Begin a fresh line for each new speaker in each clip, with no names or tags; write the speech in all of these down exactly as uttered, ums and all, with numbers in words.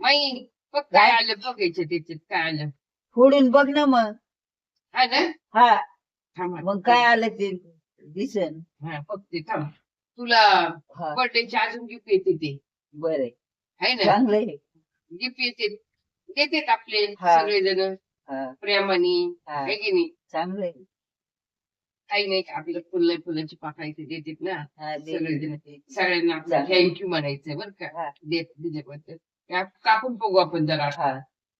माई बघ काय आलं बघायचं त्याच्यात काय आलं
फोडून बघ ना मग.
हा ना
हा
थांब
मग काय आलं ते दिसन.
हा बघते थांब तुला
हा
बर्थडेची अजून गिफ्ट येते ते
बरं
आहे ना
चांगलंय.
गिफ्ट येते देतात आपले
हा.
सगळेजण
हा
प्रेमाने
हा
आहे की नाही
चांगलंय.
काही नाही आपलं फुलं फुलाची पाकळी देतात ना
हा दे-
सगळेजण
दे-
सगळ्यांना आपलं
चालेल.
थँक्यू म्हणायचं बरं का
हा
देत त्याच्याबद्दल का- कापून बघू आपण जरा
हा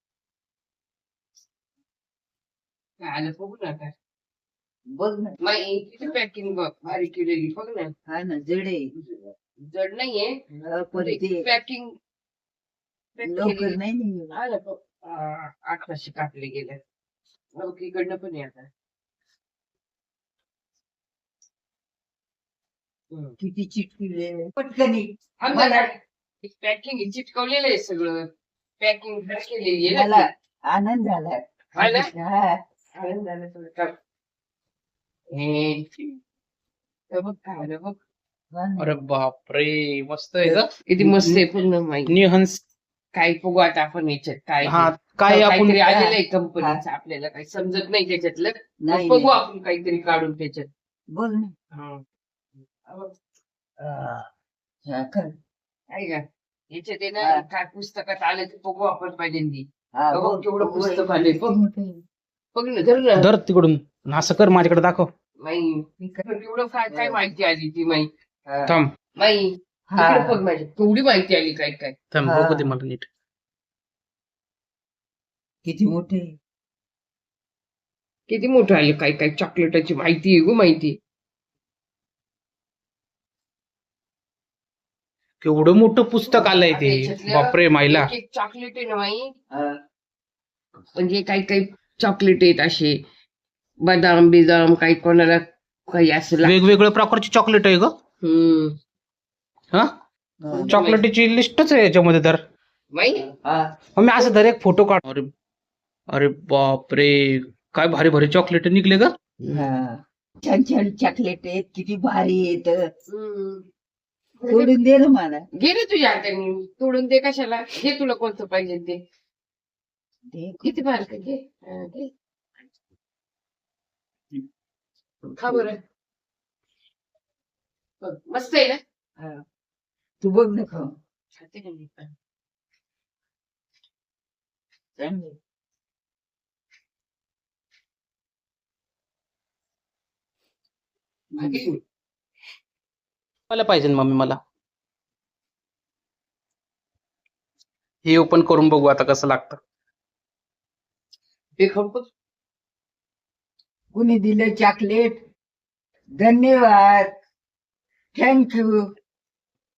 काय आलं बघू ना आता
बघ ना.
माई किती पॅकिंग बघ भारी केलेली बघ ना
हा ना जडे
जड नाहीये
पण ते
पॅकिंग
लवकर नाही निघालं.
आलं बघ आ, अठराशे कापले गेले मग इकडनं पण आहे आता हम्म.
किती चिटकिले पटकनी.
मला पॅकिंग चिटकवलेलं आहे सगळं पॅकिंग केलेली आहे
मला
ना ती.
आनंद झाला.
है ना?
हा
आनंद झाला सगळं काम. हे, हे बघ काय आलं बघ
हा ना.
अरे बापरे मस्त आहे ग.
किती मस्त आहे पूर्ण माहिती
निहंस.
काय बघू आता आपण याच्यात काय
हा
ते.
काय आपण
काहीतरी आलेलं आहे कंपनीचं आपल्याला काही समजत नाही त्याच्यातलं
नाही
मग बघू
नाही.
आपण काहीतरी काढून त्याच्यात
बघ ना.
हा. हा बघ,
हा, कर.
आहे का याच्यात आहे ना
हा.
काय पुस्तकात आलं ते बघू आपण पहिल्यांदी
हा,
बघ,
बघ,
केवढं
बघ,
पुस्तक
बघ.
आलंय, बघ.
किती मोठं आहे.
बघ ना धर ना
धर तिकडून असं कर माझ्याकडे दाखव.
माई
मी कर.
केवढं काय काय माहिती आली ती माई
हा.
थांब
माई
हा.
इकडे बघ माझी केवढी माहिती आली काय काय
थांब
हा.
बघू दे मला नीट.
किती मोठे आहे.
किती मोठं आली काय काय चॉकलेटाची माहिती आहे गो माहिती
केवढं मोठं पुस्तक आलंय
आता
ते.
याच्यातलं
बापरे मायला.
एक एक चॉकलेट आहे ना माई
हा.
म्हणजे काही काही चॉकलेट आहेत असे बदाम बिदाम काही कोणाला काही असं लाग-
वेगवेगळ्या प्रकारची चॉकलेट आहे ग.
हम्म
हा
हा.
चॉकलेटची लिस्टच आहे याच्यामध्ये तर.
माई
हा.
मग मी असं धर एक फोटो काढ. अरे अरे बापरे काय भारी भारी चॉकलेट निघले ग.
हा. छान छान चॉकलेट आहेत किती भारी आहेत.
हम्म.
सोडून दे ना मला.
घे रे तुझ्या हाताने तोडून दे कशाला घे तुला कोणतं पाहिजे ते
दे.
किती बारक घे हा, घे. खा बरं बघ, मस्त आहे ना
हा. तू बघ ना खाऊन.
खाते का मी पण?
चांगलं.
भारी.
मला पाहिजे मम्मी मला. हे ओपन करून बघू आता कसं लागतं.
हे खाऊ बघ.
कुणी दिलं चॉकलेट. धन्यवाद. थँक्यू.